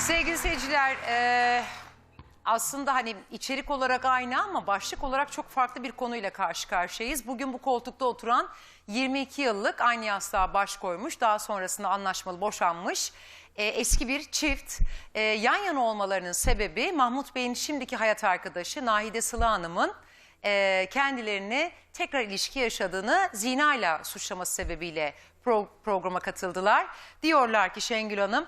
Sevgili seyirciler, aslında hani içerik olarak aynı ama başlık olarak çok farklı bir konuyla karşı karşıyayız. Bugün bu koltukta oturan 22 yıllık aynı yastığa baş koymuş, daha sonrasında anlaşmalı boşanmış eski bir çift. Yan yana olmalarının sebebi Mahmut Bey'in şimdiki hayat arkadaşı Nahide Sıla Hanım'ın kendilerini tekrar ilişki yaşadığını zinayla suçlaması sebebiyle programa katıldılar. Diyorlar ki Şengül Hanım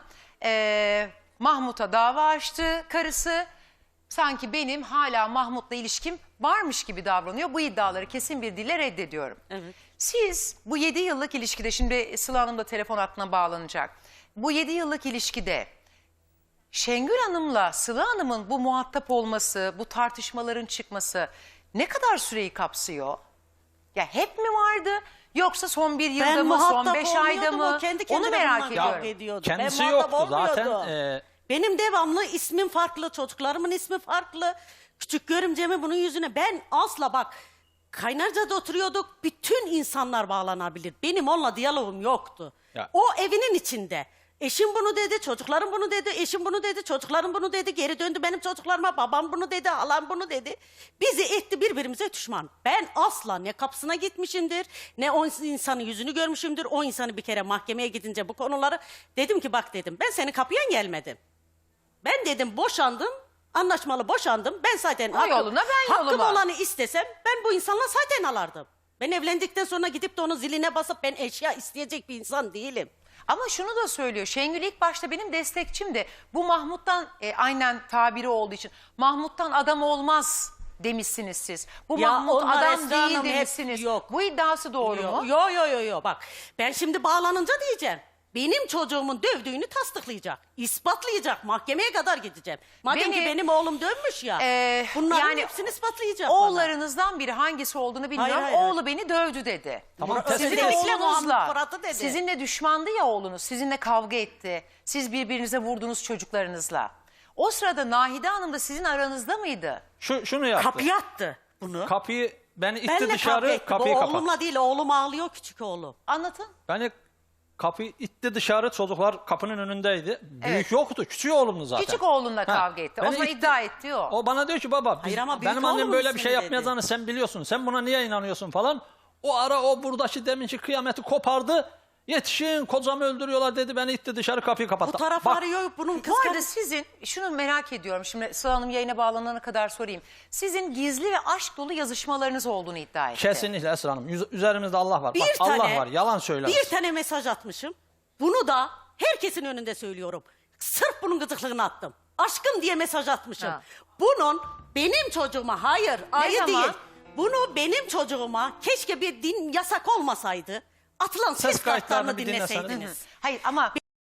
Mahmut'a dava açtı karısı. Sanki benim hala Mahmut'la ilişkim varmış gibi davranıyor. Bu iddiaları kesin bir dille reddediyorum. Evet. Siz bu 7 yıllık ilişkide, şimdi Sıla Hanım da telefon hattına bağlanacak. Bu 7 yıllık ilişkide Şengül Hanım'la Sıla Hanım'ın bu muhatap olması, bu tartışmaların çıkması ne kadar süreyi kapsıyor? Ya hep mi vardı yoksa son bir yılda mı, son 5 ayda mı? Onu merak ediyorum. Kendisi yoktu zaten. Benim devamlı ismim farklı, çocuklarımın ismi farklı. Küçük görümcemi bunun yüzüne. Ben asla bak, Kaynarca'da oturuyorduk, bütün insanlar bağlanabilir. Benim onunla diyalogum yoktu. Ya. O evinin içinde. Eşim bunu dedi, çocuklarım bunu dedi, eşim bunu dedi, çocuklarım bunu dedi. Geri döndü benim çocuklarıma, babam bunu dedi, halam bunu dedi. Bizi etti birbirimize düşman. Ben asla ne kapısına gitmişimdir, ne o insanın yüzünü görmüşümdür. O insanı bir kere mahkemeye gidince bu konuları dedim ki bak dedim, ben senin kapıya gelmedim. Ben dedim boşandım, anlaşmalı boşandım. Ben zaten hakkım olanı istesem ben bu insanla zaten alardım. Ben evlendikten sonra gidip de onun ziline basıp ben eşya isteyecek bir insan değilim. Ama şunu da söylüyor. Şengül ilk başta benim destekçimdi. Bu Mahmut'tan aynen tabiri olduğu için Mahmut'tan adam olmaz demişsiniz siz. Bu ya Mahmut adam değil demişsiniz. Yok. Bu iddiası doğru mu? Yok. Bak ben şimdi bağlanınca diyeceğim. Benim çocuğumun dövdüğünü tasdiklayacak, ispatlayacak, mahkemeye kadar gideceğim. Madem ki benim oğlum dövmüş ya, bunların yani hepsini ispatlayacak. Oğullarınızdan biri hangisi olduğunu bilmiyorum. Hayır. Oğlu beni dövdü dedi. Tamam, sizinle düşmandı ya oğlunuz, sizinle kavga etti. Siz birbirinize vurdunuz çocuklarınızla. O sırada Nahide Hanım da sizin aranızda mıydı? Şunu yaptı. Kapıyı attı bunu. Kapıyı beni itti dışarı, kapıyı kapattı. Oğlumla değil, oğlum ağlıyor, küçük oğlum. Anlatın. Beni kapıyı itti dışarı, çocuklar kapının önündeydi. Büyük yoktu, küçük oğlumdu zaten. Küçük oğlunla kavga etti. O zaman iddia etti o. O bana diyor ki baba benim annem böyle bir şey yapmayacağını sen biliyorsun. Sen buna niye inanıyorsun falan. O ara o buradaki deminki kıyameti kopardı. Yetişin kocamı öldürüyorlar dedi, beni itti dışarı, kapıyı kapattı. Bu taraf arıyor bunun Bu arada sizin, şunu merak ediyorum şimdi Sıla Hanım yayına bağlanana kadar sorayım. Sizin gizli ve aşk dolu yazışmalarınız olduğunu iddia etti. Kesinlikle Esra Hanım. Üzerimizde Allah var. Allah var, yalan söylemez. Bir tane mesaj atmışım. Bunu da herkesin önünde söylüyorum. Sırf bunun gıcıklığını attım. Aşkım diye mesaj atmışım. Ha. Bunun benim çocuğuma, hayır ayı değil. Bunu benim çocuğuma keşke bir din yasak olmasaydı. Atılan ses kayıtlarını dinleseydiniz. Hayır ama...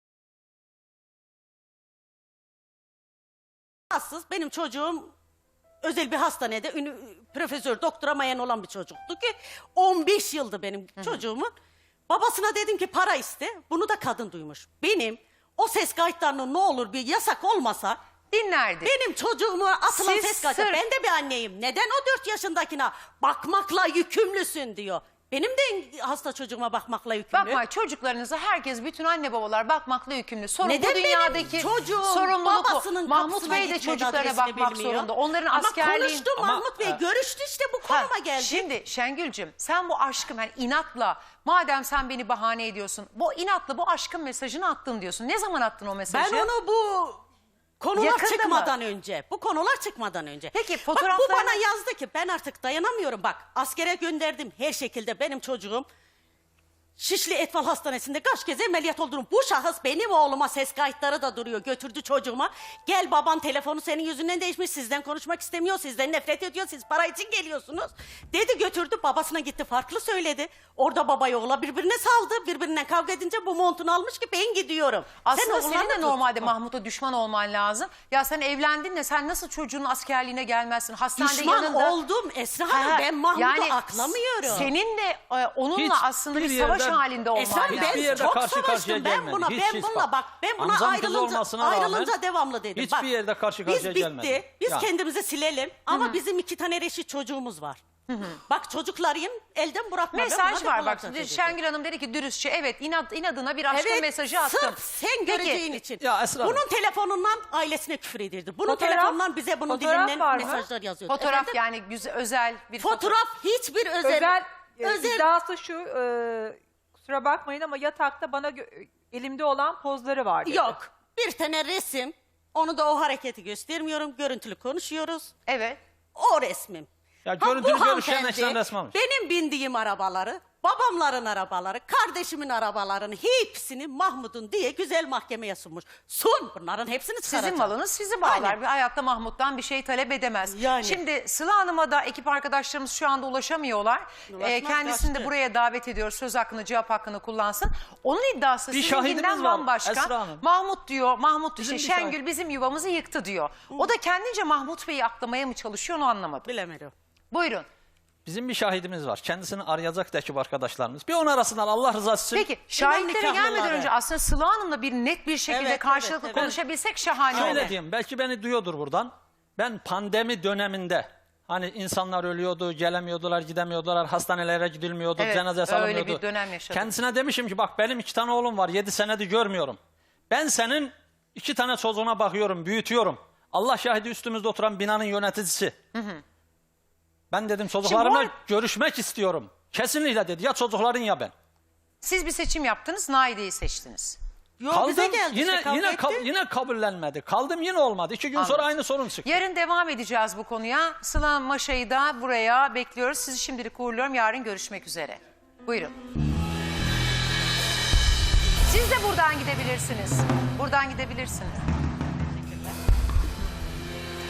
Benim çocuğum özel bir hastanede profesör, doktora mayan olan bir çocuktu ki 15 yıldı benim çocuğumun. Babasına dedim ki para iste. Bunu da kadın duymuş. Benim o ses kayıtlarının ne olur bir yasak olmasa dinlerdi. Benim çocuğuma atılan ses kayıtları. Ben de bir anneyim. Neden o 4 yaşındakine bakmakla yükümlüsün diyor. Benim de hasta çocuğuma bakmakla yükümlü. Bakma, çocuklarınıza herkes, bütün anne babalar bakmakla yükümlü. Sorun neden bu dünyadaki sorumluluk. Mahmut Bey de çocuklarına bakmak zorunda. Onların askerliği... Konuştu Mahmut Bey, görüştü işte bu konuma geldi. Şimdi Şengül'cüm sen bu aşkım yani inatla, madem sen beni bahane ediyorsun, bu inatla bu aşkın mesajını attın diyorsun. Ne zaman attın o mesajı? Ben onu bu konular çıkmadan önce. Bu konular çıkmadan önce. Peki fotoğraflarını... Bak, bu bana yazdı ki ben artık dayanamıyorum. Bak askere gönderdim her şekilde, benim çocuğum Şişli Etfal Hastanesi'nde kaç kez ameliyat oldum. Bu şahıs benim oğluma ses kayıtları da duruyor. Götürdü çocuğuma. Gel baban telefonu senin yüzünden değişmiş. Sizden konuşmak istemiyor. Sizden nefret ediyor. Siz para için geliyorsunuz. Dedi, götürdü. Babasına gitti, farklı söyledi. Orada babayı oğla birbirine saldı. Birbirinden kavga edince bu montunu almış ki ben gidiyorum. Aslında senin de normalde Mahmut'a düşman olman lazım. Ya sen evlendin de sen nasıl çocuğun askerliğine gelmezsin? Hastanede düşman yanında... oldum Esra Hanım. Ben Mahmut'u aklamıyorum. Seninle onunla aslında bir savaş halinde olman lazım. Ben çok savaştım. Ben buna ayrılınca devamlı dedim. Hiçbir yerde karşı karşıya gelmedi. Biz kendimizi silelim ama bizim 2 tane reşit çocuğumuz var. Bak çocuklarım elden bırakma. Ben Mesaj buna var defalarca bak. dedim. Şengül Hanım dedi ki dürüstçe evet inadına bir aşkın Evet, mesajı attım. sırf sen göreceğin için. Ya Esra Hanım. Bunun telefonundan ailesine küfür edirdi. Bunun Fotoğraf- telefonundan bize bunun fotoğraf dilinden var mı? mesajlar yazıyordu. Fotoğraf Efendim? yani güzel, özel bir Fotoğraf hiçbir özel. iddiası şu, kusura bakmayın ama yatakta bana elimde olan pozları var dedi. Yok. Bir tane resim. Onu da o hareketi göstermiyorum. Görüntülü konuşuyoruz. Evet. O resmim. Ya Ha, bu görüntülü görüşen hanımefendi ekran resmi almış. benim bindiğim arabaları, babamların arabaları, kardeşimin arabalarını hepsini Mahmut'un diye güzel mahkemeye sunmuş. Sun bunların hepsini çıkaracağım. Sizin malınız sizi bağlar. Aynen. Bir hayatta Mahmut'tan bir şey talep edemez. Yani. Şimdi Sıla Hanım'a da ekip arkadaşlarımız şu anda ulaşamıyorlar. Ulaşmaz, Kendisini de kaçtı. buraya davet ediyoruz. Söz hakkını, cevap hakkını kullansın. Onun iddiası Bir sizinkinden şahidimiz var, bambaşka. Esra Hanım. Mahmut diyor, Mahmut Bizim işte bir Şengül şahit. bizim yuvamızı yıktı diyor. O da kendince Mahmut Bey'i aklamaya mı çalışıyor onu anlamadım. Bilemedim. Buyurun. Bizim bir şahidimiz var. Kendisini arayacak ekip arkadaşlarımız. Bir onu arasınlar Allah rızası için. Peki şahitlere gelmeden nikahlıları. önce aslında Sıla Hanım'la bir net bir şekilde Evet, karşılıklı evet, evet. konuşabilsek şahane Şöyle olur. diyeyim, belki beni duyuyordur buradan. Ben pandemi döneminde hani insanlar ölüyordu, gelemiyordular, gidemiyordular, hastanelere gidilmiyordu, Evet, cenaze öyle salınmıyordu. bir dönem yaşadım. Kendisine demişim ki bak benim 2 tane oğlum var, 7 senedir görmüyorum. Ben senin 2 tane çocuğuna bakıyorum, büyütüyorum. Allah şahidi üstümüzde oturan binanın yöneticisi. Ben dedim çocuklarımla Şimdi görüşmek istiyorum. Kesinlikle dedi, ya çocukların ya ben. Siz bir seçim yaptınız, Naide'yi seçtiniz. Yok bize geldi yine işte, kavga etti. yine kabullenmedi. Kaldım yine olmadı. 2 gün sonra Anladım. aynı sorun çıktı. Yarın devam edeceğiz bu konuya. Sıla Maşa'yı da buraya bekliyoruz. Sizi şimdilik uğurluyorum. Yarın görüşmek üzere. Buyurun. Siz de buradan gidebilirsiniz. Buradan gidebilirsiniz.